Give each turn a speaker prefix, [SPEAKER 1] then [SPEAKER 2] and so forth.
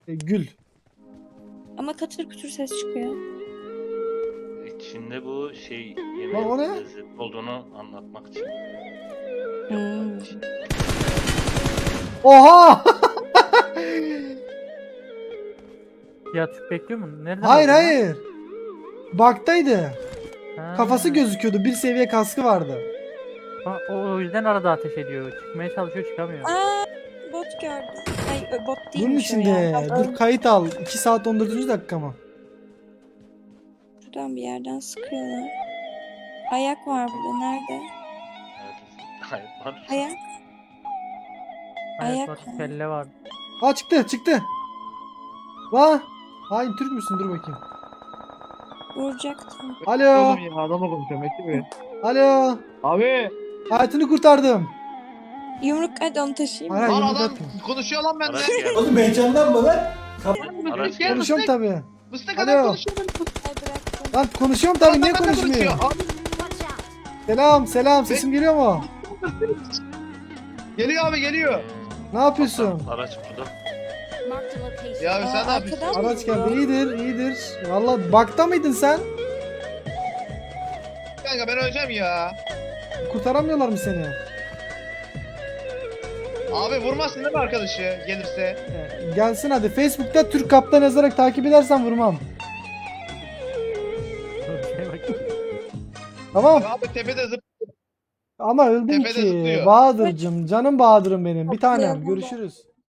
[SPEAKER 1] Gül.
[SPEAKER 2] Ama katır kütür ses çıkıyor.
[SPEAKER 3] İçinde bu şey
[SPEAKER 1] Lan o ne?
[SPEAKER 3] yemeğin lezzetli olduğunu anlatmak için.
[SPEAKER 2] Hmm.
[SPEAKER 1] Oha!
[SPEAKER 4] Ya Türk bekliyor mu? Nereden
[SPEAKER 1] Hayır
[SPEAKER 4] aldın lan?
[SPEAKER 1] hayır. Baktaydı.
[SPEAKER 4] Ha.
[SPEAKER 1] Kafası gözüküyordu. Bir seviye kaskı vardı.
[SPEAKER 4] Ha, o yüzden arada ateş ediyor. Çıkmaya çalışıyor, çıkamıyor.
[SPEAKER 2] Aa, bot gördüm. Ay bot
[SPEAKER 1] Bunun
[SPEAKER 2] değilmiş o
[SPEAKER 1] içinde.
[SPEAKER 2] ya.
[SPEAKER 1] Dur kayıt al. 2 saat 14. dakika mı?
[SPEAKER 2] Şuradan bir yerden sıkıyorlar. Ayak var burada. Nerede?
[SPEAKER 3] Hayır var.
[SPEAKER 2] Ayak.
[SPEAKER 4] Ayak
[SPEAKER 2] ayak
[SPEAKER 4] var,
[SPEAKER 2] var.
[SPEAKER 4] kelle var.
[SPEAKER 1] Aa çıktı. Lan. Hain Türk müsün? Dur bakayım.
[SPEAKER 2] Vuracaktım.
[SPEAKER 1] Alo.
[SPEAKER 5] Oğlum ya adamla konuşuyorum bekle bir.
[SPEAKER 1] Alo.
[SPEAKER 5] Abi.
[SPEAKER 1] Hayatını kurtardım.
[SPEAKER 2] Yumruk hadi onu taşıyayım.
[SPEAKER 1] Hayır,
[SPEAKER 2] mı?
[SPEAKER 5] Lan
[SPEAKER 1] yumruk
[SPEAKER 5] adam
[SPEAKER 1] atma.
[SPEAKER 5] konuşuyor lan bende.
[SPEAKER 3] Araç geldi.
[SPEAKER 1] Oğlum heyecandan mı lan?
[SPEAKER 3] Araç
[SPEAKER 5] Gel
[SPEAKER 3] geldi.
[SPEAKER 1] Konuşuyorum tabii.
[SPEAKER 5] Mıstık
[SPEAKER 1] Alo.
[SPEAKER 5] adam konuşuyor.
[SPEAKER 2] Ay bıraktım.
[SPEAKER 1] Lan konuşuyorum tabii. Niye
[SPEAKER 5] Adam benimle
[SPEAKER 1] konuşmuyor?
[SPEAKER 5] Abi,
[SPEAKER 1] Selam. Sesim geliyor mu?
[SPEAKER 5] geliyor abi geliyor.
[SPEAKER 1] Ne yapıyorsun?
[SPEAKER 3] Araç burada.
[SPEAKER 5] Ya abi sen ne
[SPEAKER 2] Aa,
[SPEAKER 5] yapıyorsun?
[SPEAKER 2] arkadan
[SPEAKER 1] Araç
[SPEAKER 2] mı
[SPEAKER 1] geldi.
[SPEAKER 2] geliyor?
[SPEAKER 1] İyidir. Valla bakta mıydın sen?
[SPEAKER 5] Kanka ben öleceğim ya.
[SPEAKER 1] Kurtaramıyorlar mı seni?
[SPEAKER 5] Abi vurmazsın değil mi arkadaşı gelirse?
[SPEAKER 1] Gelsin hadi. Facebook'ta Türk Kaptan yazarak takip edersen vurmam.
[SPEAKER 4] Şeye bak.
[SPEAKER 1] Tamam.
[SPEAKER 5] Abi tepede zıp.
[SPEAKER 1] Ama öldüm
[SPEAKER 5] Tepede
[SPEAKER 1] ki.
[SPEAKER 5] zıplıyor.
[SPEAKER 1] Bahadır'cım. Canım Bahadır'ım benim. Bir tanem.
[SPEAKER 2] Zıplıyor burada.
[SPEAKER 1] Görüşürüz.